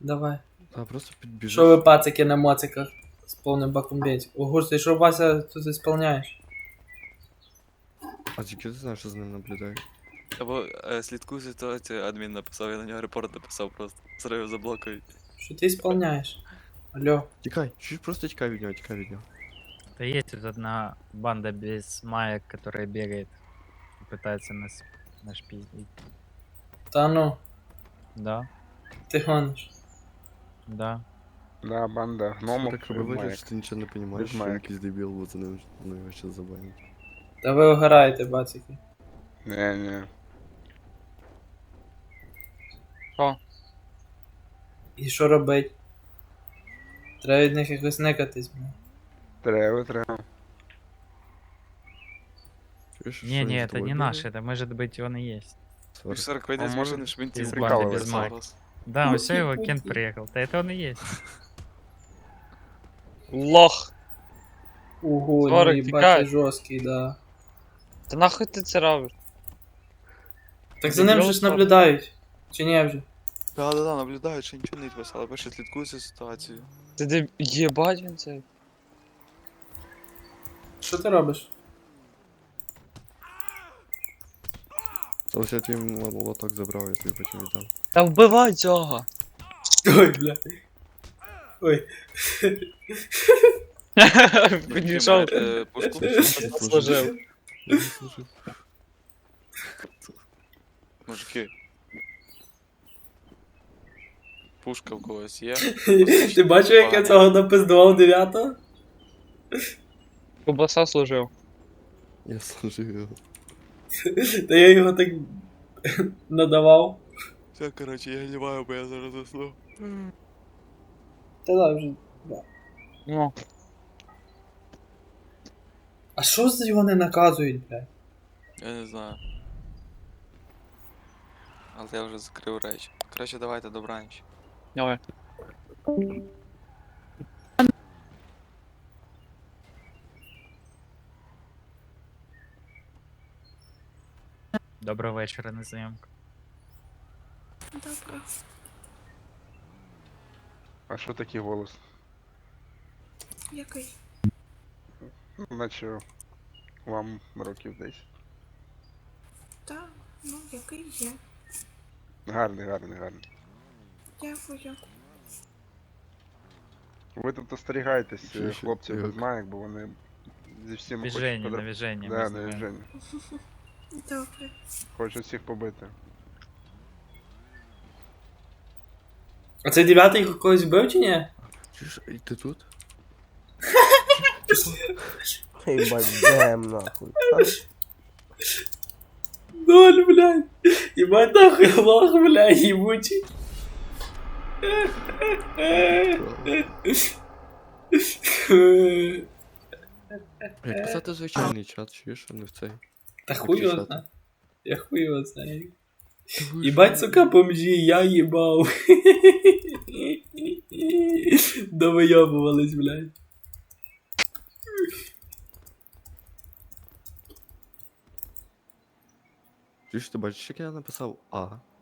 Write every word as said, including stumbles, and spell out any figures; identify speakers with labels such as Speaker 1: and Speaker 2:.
Speaker 1: Давай.
Speaker 2: А, просто підбіжиш.
Speaker 1: Що ви пацики на моциках з повним баком бензину? Ого, ти що, Вася, тут ісполняєш?
Speaker 2: А тільки ти знаєш, що з ним наблюдаєш?
Speaker 3: Або е, слідкую ситуацію, адмін написав, я на нього репорт написав просто. Зрив заблокують.
Speaker 1: Що ти ісполняєш? Алло.
Speaker 2: Тікай, чуть просто тікай від нього, тікай від нього.
Speaker 4: Да есть тут одна банда без маек, которая бегает и пытается нас нашпиздить.
Speaker 1: Та ну,
Speaker 4: Да,
Speaker 1: ти гониш.
Speaker 4: да.
Speaker 5: Да, банда гномов.
Speaker 2: Так
Speaker 5: без
Speaker 2: виглядає,
Speaker 5: маєк.
Speaker 2: що ти нічого не розумієш,
Speaker 5: Без
Speaker 2: що він
Speaker 5: маєк.
Speaker 2: якийсь дебіл, бо за ним ну, його ще забанять.
Speaker 1: Та ви огораєте, бацики.
Speaker 5: Не, не.
Speaker 1: І що робить? Треба від них якось никатись, бля.
Speaker 5: Треба, треба.
Speaker 2: Чуєш, що
Speaker 4: Не,
Speaker 2: він
Speaker 4: не,
Speaker 2: за
Speaker 4: это
Speaker 2: тобою
Speaker 4: не
Speaker 2: бігає?
Speaker 4: наш, это может быть он и есть.
Speaker 2: Сорок.
Speaker 3: Сорок вийде
Speaker 5: А
Speaker 3: з
Speaker 5: може,
Speaker 3: машини, щоб він
Speaker 4: із
Speaker 3: ті
Speaker 4: банди
Speaker 5: без
Speaker 3: записав
Speaker 4: майки.
Speaker 3: вас.
Speaker 4: Да,
Speaker 1: Ну,
Speaker 4: все, его
Speaker 1: типа,
Speaker 4: Кент
Speaker 1: типа.
Speaker 4: приехал. Да это он и есть.
Speaker 6: Лох.
Speaker 1: Ого, ну
Speaker 6: Сорок,
Speaker 1: їбать,
Speaker 6: тікай.
Speaker 1: ти жорсткий, да.
Speaker 6: Та нахуй ти це робиш?
Speaker 1: Так за ним же ж наблюдають. Чи ні вже?
Speaker 3: Да, да, да, наблюдають, що нічого не відписали, бо ще слідкую за ситуацією.
Speaker 6: Ти де єбать він цей?
Speaker 1: Що ти робиш?
Speaker 2: Ось я твій молоток забрав, я тобі потім віддам.
Speaker 6: Та вбивай цього!
Speaker 1: Ой, бля. Ой.
Speaker 6: Підійшов,
Speaker 3: Е, Пушку.
Speaker 6: служив.
Speaker 2: Я не служив.
Speaker 3: Мужики. Пушка в когось є.
Speaker 1: Ти бачив, як я цього напиздував дев'ятого?
Speaker 6: Кубаса служив.
Speaker 2: Я служив його.
Speaker 1: Та я його так надавав.
Speaker 3: Все, коротше, я ліваю, бо я зараз засну.
Speaker 1: Та да, вже.
Speaker 6: Ну,
Speaker 1: А що за його не наказують, блядь?
Speaker 3: Я не знаю. Але я вже закрив речі. Коротше, давайте добраніч.
Speaker 6: давай.
Speaker 4: Доброго вечера на зйомку.
Speaker 7: Добре.
Speaker 5: А що такий голос?
Speaker 7: Який?
Speaker 5: Ну, наче вам років десять.
Speaker 7: Та, ну, який є.
Speaker 5: Гарний, гарний, гарний.
Speaker 7: Дякую.
Speaker 5: Ви тут остерігайтесь
Speaker 2: Ще,
Speaker 5: е,
Speaker 2: ще,
Speaker 5: хлопців без
Speaker 2: як?
Speaker 5: маєк, бо вони зі всіма хочуть
Speaker 4: Движение,
Speaker 5: подра-
Speaker 4: движение.
Speaker 5: Да, на движення.
Speaker 7: Добре.
Speaker 5: Хочуть всіх побити.
Speaker 1: А цей дев'ятий когось вбив чи ні?
Speaker 2: Чуєш, і ти тут?
Speaker 8: Ебать, дэм нахуй.
Speaker 1: Ноль, блядь. Ебать нахуй лох, блядь, ебучий.
Speaker 2: Як писати звичайний чат, чуєш, а не в цей.
Speaker 1: Та хуй його
Speaker 2: Пишати.
Speaker 1: знає. Я хуй його знаю.
Speaker 2: Та ви
Speaker 1: Ебать,
Speaker 2: що?
Speaker 1: сука, бомжі, я ебал. Довыебывались, блядь.
Speaker 2: Чуєш, ти бачиш, як я написав А?